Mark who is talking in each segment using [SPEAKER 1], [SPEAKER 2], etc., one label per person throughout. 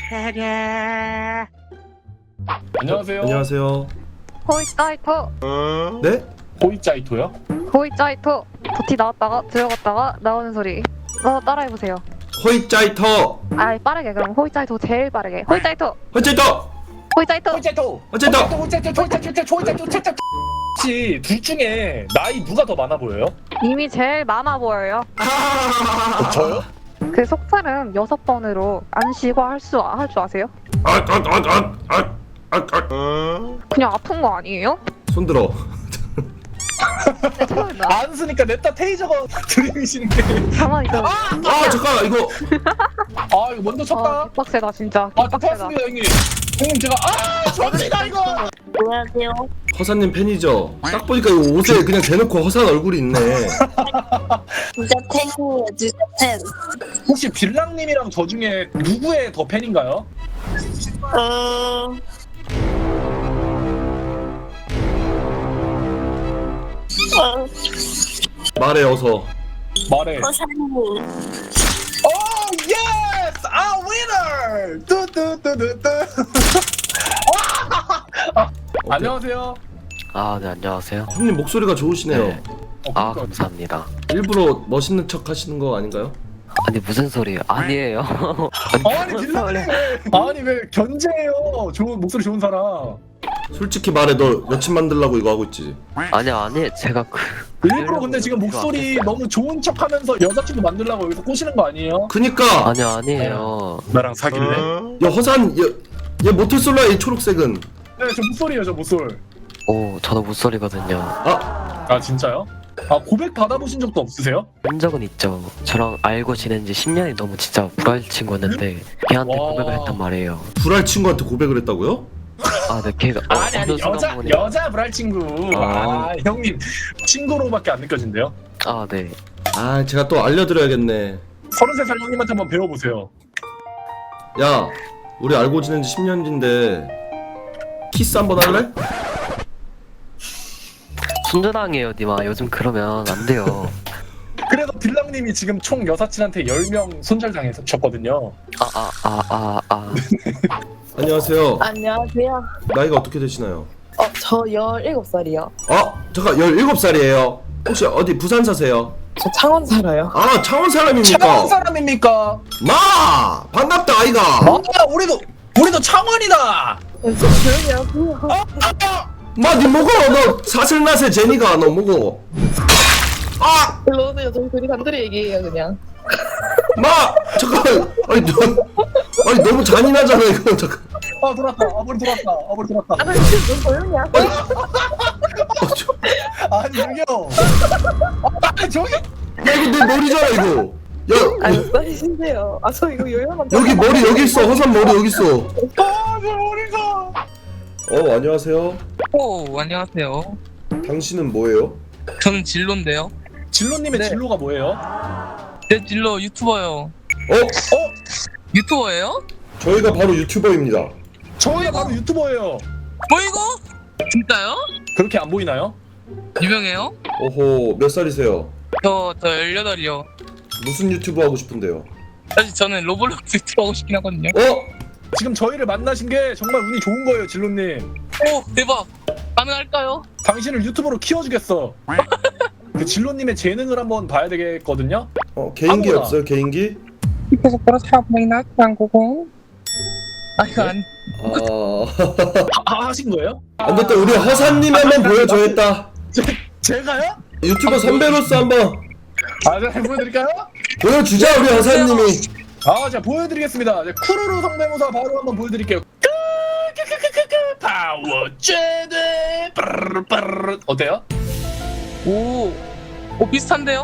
[SPEAKER 1] 안녕하세요.
[SPEAKER 2] 안녕하세요.
[SPEAKER 3] 호이짜이토
[SPEAKER 2] 네?
[SPEAKER 1] 호이짜이토요?
[SPEAKER 3] 호이짜이토 도티 나왔다가 들어갔다가 나오는 소리 따라해보세요.
[SPEAKER 2] 호이짜이터.
[SPEAKER 3] 빠르게 그럼 호이짜이토 제일 빠르게 호이짜이토
[SPEAKER 2] 호이짜이터.
[SPEAKER 3] 호이짜이토
[SPEAKER 1] 호이짜이토.
[SPEAKER 2] 호이짜이터.
[SPEAKER 1] 혹시 둘 중에 나이 누가 더 많아 보여요?
[SPEAKER 3] 이미 제일 많아 보여요.
[SPEAKER 1] 저요?
[SPEAKER 3] 그 속살은 6번으로 안 쉬고 할 줄 아세요? 그냥 아픈 거 아니에요?
[SPEAKER 2] 손 들어.
[SPEAKER 3] 네, 처음이다.
[SPEAKER 1] 안 쓰니까 냅다 테이저가 들이미시는 게.
[SPEAKER 3] 가만히 있어.
[SPEAKER 2] 잠깐 이거
[SPEAKER 1] 아 이거 먼저 쳤다.
[SPEAKER 3] 빡세다 진짜.
[SPEAKER 1] 아
[SPEAKER 3] 빡세다.
[SPEAKER 1] 좋았습니다 형님. 형님 제가 접니다 이거.
[SPEAKER 4] 안녕하세요.
[SPEAKER 2] 허사님 팬이죠? 딱 보니까 이거 옷에 그냥 대놓고 허사한 얼굴이 있네.
[SPEAKER 4] 진짜 팬이에요, 진짜 팬.
[SPEAKER 1] 혹시 빌랑님이랑 저 중에 누구의 더 팬인가요?
[SPEAKER 2] 말해 어서.
[SPEAKER 1] 말해.
[SPEAKER 4] 허사님.
[SPEAKER 1] 오 예스! 아 위너! 뚜뚜뚜뚜뚜. 안녕하세요.
[SPEAKER 5] 아, 네, 안녕하세요.
[SPEAKER 2] 형님 목소리가 좋으시네요.
[SPEAKER 5] 네. 아, 감사합니다.
[SPEAKER 2] 일부러 멋있는 척 하시는 거 아닌가요?
[SPEAKER 5] 아니, 무슨 소리예요? 아니에요.
[SPEAKER 1] 아니 빌랑님 아니 왜 견제해요? 좋은 목소리 좋은 사람.
[SPEAKER 2] 솔직히 말해 너 여친 만들라고 이거 하고 있지?
[SPEAKER 5] 아니, 제가
[SPEAKER 1] 일부러 근데 지금 목소리 너무 좋은 척하면서 여자친구 만들려고 여기서 꼬시는 거 아니에요?
[SPEAKER 2] 그니까
[SPEAKER 5] 아니에요.
[SPEAKER 1] 나랑 사귈래?
[SPEAKER 2] 야 허산 얘 모태솔라야 이 초록색은.
[SPEAKER 1] 네, 저 목소리예요, 저 목소리.
[SPEAKER 5] 오, 저도 못소리거든요.
[SPEAKER 1] 아 진짜요? 아 고백 받아보신 적도 없으세요?
[SPEAKER 5] 한 적은 있죠. 저랑 알고 지낸 지 10년이 너무 진짜 불알 친구였는데 걔한테
[SPEAKER 1] 와.
[SPEAKER 5] 고백을 했단 말이에요.
[SPEAKER 2] 불알 친구한테 고백을 했다고요?
[SPEAKER 5] 아, 네, 걔가
[SPEAKER 1] 아니
[SPEAKER 5] 어느 순간 보니-
[SPEAKER 1] 여자 불알 친구. 아 형님 친구로밖에 안 느껴진대요?
[SPEAKER 5] 아, 네.
[SPEAKER 2] 아 제가 또 알려드려야겠네.
[SPEAKER 1] 33살 형님한테 한번 배워보세요.
[SPEAKER 2] 야 우리 알고 지낸 지 10년인데 키스 한번 할래?
[SPEAKER 5] 순전항이에요, 니마. 요즘 그러면 안 돼요.
[SPEAKER 1] 그래서 빌랑님이 지금 총 여사친한테 10명 손절당했었거든요.
[SPEAKER 2] 안녕하세요.
[SPEAKER 4] 안녕하세요.
[SPEAKER 2] 나이가 어떻게 되시나요?
[SPEAKER 4] 저 17살이요.
[SPEAKER 2] 잠깐 17살이에요. 혹시 어디 부산 사세요?
[SPEAKER 4] 저 창원 살아요.
[SPEAKER 2] 아 창원 사람입니까?
[SPEAKER 1] 창원 사람입니까?
[SPEAKER 2] 마 반갑다 아이가.
[SPEAKER 1] 아 우리도 창원이다.
[SPEAKER 4] 좀 조용히 하고요.
[SPEAKER 2] 마니 먹어 너 사슬나세 제니가 너 먹어.
[SPEAKER 4] 일로 오세요. 저희 둘이 단둘이 얘기해요, 그냥.
[SPEAKER 2] 마 잠깐 아니 너무 잔인하잖아 이거 잠깐.
[SPEAKER 1] 아 돌았다. 머리 돌았다. 머리 돌았다.
[SPEAKER 4] 아, 좀 조용히 하세요.
[SPEAKER 1] 아니 저기요. 저기.
[SPEAKER 2] 야 이거 내 머리잖아 이거. 야
[SPEAKER 4] 안 써주세요. 저 이거 요요만.
[SPEAKER 2] 여기 머리 여기 있어. 허산 머리 여기 있어.
[SPEAKER 1] 내 머리가.
[SPEAKER 2] 안녕하세요.
[SPEAKER 6] 안녕하세요.
[SPEAKER 2] 당신은 뭐예요?
[SPEAKER 6] 저는 진로인데요.
[SPEAKER 1] 진로님의
[SPEAKER 6] 네.
[SPEAKER 1] 진로가 뭐예요?
[SPEAKER 6] 제 진로 유튜버요. 유튜버예요?
[SPEAKER 2] 저희가 바로 유튜버입니다.
[SPEAKER 1] 저희가 바로 유튜버예요.
[SPEAKER 6] 뭐 이거? 진짜요?
[SPEAKER 1] 그렇게 안 보이나요?
[SPEAKER 6] 유명해요?
[SPEAKER 2] 오호 몇 살이세요?
[SPEAKER 6] 저 18이요.
[SPEAKER 2] 무슨 유튜브 하고 싶은데요?
[SPEAKER 6] 사실 저는 로블록스 유튜버 하고 싶긴 하거든요.
[SPEAKER 1] 지금 저희를 만나신 게 정말 운이 좋은 거예요, 진로님.
[SPEAKER 6] 오, 대박. 가능할까요?
[SPEAKER 1] 당신을 유튜버로 키워주겠어. 그 진로님의 재능을 한번 봐야 되겠거든요.
[SPEAKER 2] 개인기
[SPEAKER 1] 아무거나.
[SPEAKER 2] 없어요 개인기?
[SPEAKER 6] 그래서 그렇다 보이나? 한국은? 아, 이거 안.
[SPEAKER 1] 하신 거예요?
[SPEAKER 2] 안 됐다 우리 허사님 한번 보여줘야겠다.
[SPEAKER 1] 제가요?
[SPEAKER 2] 유튜버 선배로서 한번
[SPEAKER 1] 제가 보여드릴까요?
[SPEAKER 2] 보여주자 우리 허사님이.
[SPEAKER 1] 제가 보여드리겠습니다. 쿠루루 성대모사 바로 한번 보여드릴게요. 파워 쟤네 어때요?
[SPEAKER 6] 오, 비슷한데요?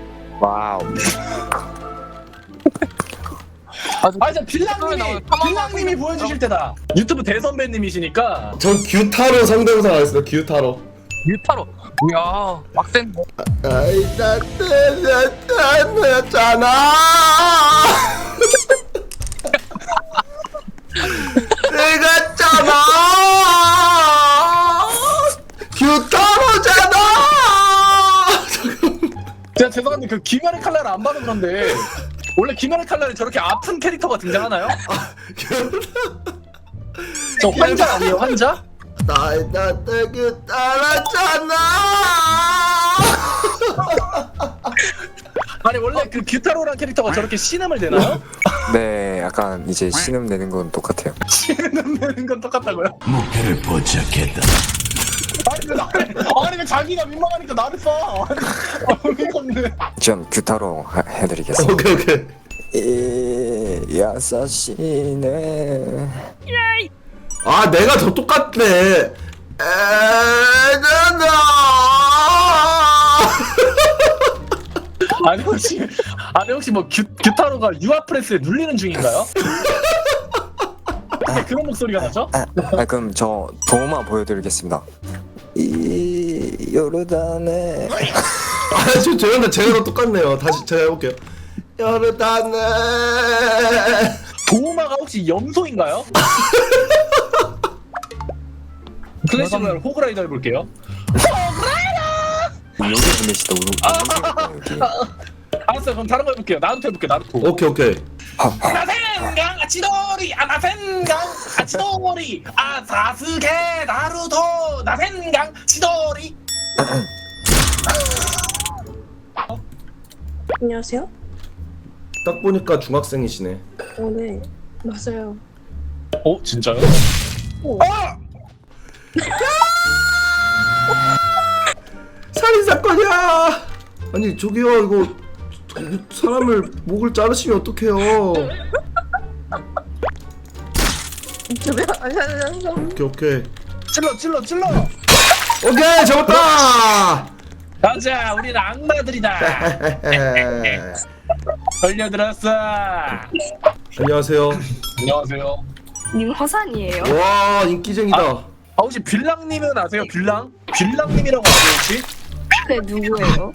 [SPEAKER 1] 자 빌랑님이 보여주실 때다. 유튜브 대선배님이시니까.
[SPEAKER 2] 전 규타로 성대모사 하겠습니다. 규타로.
[SPEAKER 6] 유타로. 이야, 빡센.
[SPEAKER 2] 아이 나잖아. 내가 잖아. 규타로잖아.
[SPEAKER 1] 제가 죄송한데 그 김연의 칼날을 안 봐서 그런데 원래 김연의 칼날에 저렇게 아픈 캐릭터가 등장하나요? 저 환자 아니에요 환자?
[SPEAKER 2] 나의 나에게 따랐잖아.
[SPEAKER 1] 아니 원래 그 규타로란 캐릭터가 저렇게 신음을 내나요?
[SPEAKER 7] 네, 약간 이제 신음 내는 건 똑같아요.
[SPEAKER 1] 신음 내는 건 똑같다고요?
[SPEAKER 8] 목표를 포착했다.
[SPEAKER 1] 아니 왜 자기가 민망하니까 나를 쏴? 어이가 없네.
[SPEAKER 7] 전 규타로 해드리겠습니다.
[SPEAKER 2] 오케이 오케이.
[SPEAKER 7] 야사시네.
[SPEAKER 2] 아 내가 더 똑같네. 에나나.
[SPEAKER 1] 아니 혹시 뭐 규타로가 유아 프레스에 눌리는 중인가요? 왜 그런 목소리가 나죠?
[SPEAKER 7] 그럼 저 도마 보여드리겠습니다. 이 요르단에
[SPEAKER 2] 아저 죄송한데 제가 더 똑같네요. 다시 제가 해볼게요. 요르단에.
[SPEAKER 1] 도우마가 혹시 염소인가요? 클래식을 호그라이더 해볼게요.
[SPEAKER 7] 여기 보내시다 여기.
[SPEAKER 1] 알았어요. 그럼 다른 거 해볼게요. 나루토 해볼게요. 나루토.
[SPEAKER 2] 오케이 오케이.
[SPEAKER 1] 나센강 아치도리 나센강 아치도리 사스케 나루토 나센강 치도리.
[SPEAKER 4] 안녕하세요.
[SPEAKER 2] 딱 보니까 중학생이시네.
[SPEAKER 4] 네. 맞아요.
[SPEAKER 1] 진짜요?
[SPEAKER 2] 살인 사건이야. 아니 저기요 이거 사람을 목을 자르시면 어떡해요? 오케이 오케이.
[SPEAKER 1] 찔러.
[SPEAKER 2] 오케이 잡았다.
[SPEAKER 1] 가자, 우리는 악마들이다. 걸려들었어.
[SPEAKER 2] 안녕하세요.
[SPEAKER 1] 안녕하세요.
[SPEAKER 9] 님 허산이에요?
[SPEAKER 2] 와 인기쟁이다.
[SPEAKER 1] 혹시 빌랑님은 아세요? 빌랑님이라고 아세요 혹시?
[SPEAKER 9] 그게 누구예요?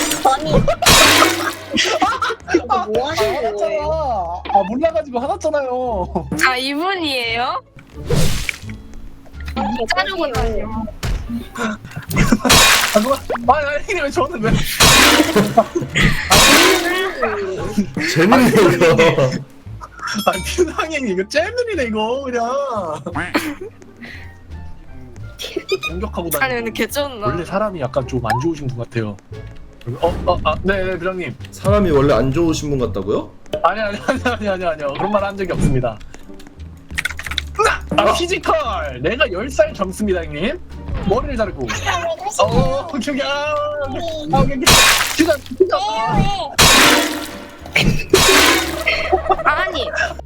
[SPEAKER 4] 뭐 하시는 거예요?
[SPEAKER 1] 화났잖아. 몰라가지고 화났잖아요.
[SPEAKER 9] 아 이분이에요? 자르고 다녀.
[SPEAKER 1] 아니 왜 저는 왜?
[SPEAKER 2] 재밌네요 이거.
[SPEAKER 1] 빌랑님 이거 잼들이네 이거 그냥. 공격하고
[SPEAKER 9] 아니
[SPEAKER 1] 다니고.
[SPEAKER 9] 근데 개쩐나?
[SPEAKER 1] 원래 사람이 약간 좀 안 좋으신 분 같아요. 네, 빌랑님.
[SPEAKER 2] 사람이 원래 안 좋으신 분 같다고요?
[SPEAKER 1] 아니요. 그런 말 한 적이 없습니다. 피지컬! 내가 10살 젊습니다, 형님. 머리를 자르고.
[SPEAKER 9] 아니